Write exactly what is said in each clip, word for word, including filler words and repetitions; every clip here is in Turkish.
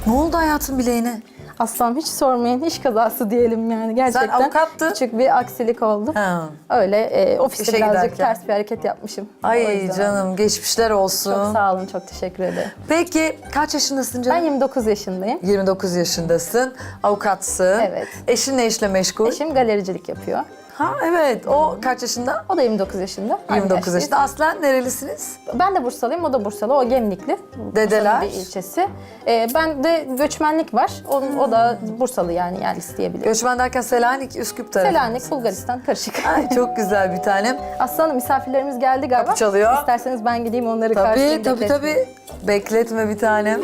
Ne oldu hayatın bileğine? Aslanım hiç sormayın, iş kazası diyelim yani gerçekten. Sen avukattın. Küçük bir aksilik oldu. Ha. Öyle e, ofiste İşe birazcık giderken. ters bir hareket yapmışım. O Ay yüzden. canım geçmişler olsun. Çok sağ olun, çok teşekkür ederim. Peki kaç yaşındasın Ben canım? yirmi dokuz yaşındayım. yirmi dokuz yaşındasın. Avukatsın. Evet. Eşin ne işle meşgul? Eşim galericilik yapıyor. Ha evet. O kaç yaşında? O da yirmi dokuz yaşında. Aynı yirmi dokuz yaştayız. yaşında. Aslen nerelisiniz? Ben de Bursalıyım, o da Bursalı. O Gemlikli. Dedeler? Bursa'nın bir ilçesi. Ee, ben de göçmenlik var. O, o da Bursalı yani yerlisi diyebilirim. Göçmen derken Selanik, Üsküp tarafı. Selanik, Bulgaristan karışık. Ay çok güzel bir tanem. Aslanım misafirlerimiz geldi galiba. Kapı çalıyor. İsterseniz ben gideyim onları Tabii karşılayayım. tabii bekletmeyeyim. tabii. Bekletme bir tanem.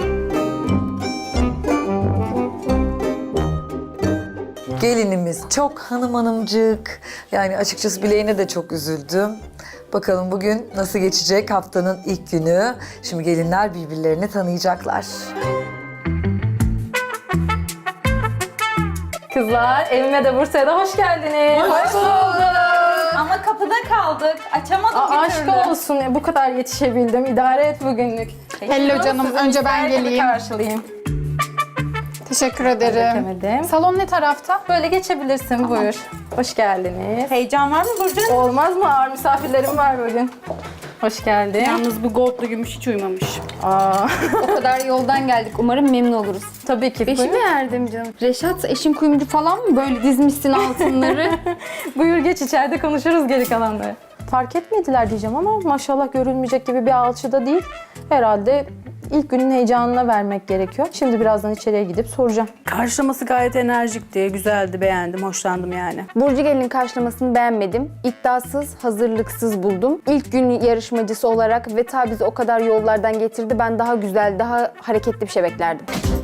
Gelinimiz çok hanım hanımcık. Yani açıkçası bileğine de çok üzüldüm. Bakalım bugün nasıl geçecek haftanın ilk günü. Şimdi gelinler birbirlerini tanıyacaklar. Kızlar, evime de Bursa'ya da hoş geldiniz. Hoş bulduk. Ama kapıda kaldık. Açamadık Aa, bir aşk türlü. olsun ya, bu kadar yetişebildim. İdare et bugünlük. Hello canım, Sizi önce ben ister gibi geleyim. karşılayayım. Teşekkür ederim. Demedim. Salon ne tarafta? Böyle geçebilirsin, buyur. Hoş geldiniz. Heyecan var mı Burcu? Olmaz mı? Ağır misafirlerim var bugün. Hoş geldin. Yalnız bu goldlu gümüş hiç uymamış. Aa, O kadar yoldan geldik. Umarım memnun oluruz. tabii ki. Beşi mi Buyur. erdim canım? Reşat eşin kuyumcu falan mı? Böyle dizmişsin altınları. Buyur geç, içeride konuşuruz geri kalanları. Fark etmediler diyeceğim ama maşallah görülmeyecek gibi bir alçıda değil. Herhalde ilk günün heyecanına vermek gerekiyor. Şimdi birazdan içeriye gidip soracağım. Karşılaması gayet enerjikti, güzeldi, beğendim, hoşlandım yani. Burcu Gelin'in karşılamasını beğenmedim. İddiasız, hazırlıksız buldum. İlk gün yarışmacısı olarak ve ta bizi o kadar yollardan getirdi. Ben daha güzel, daha hareketli bir şey beklerdim.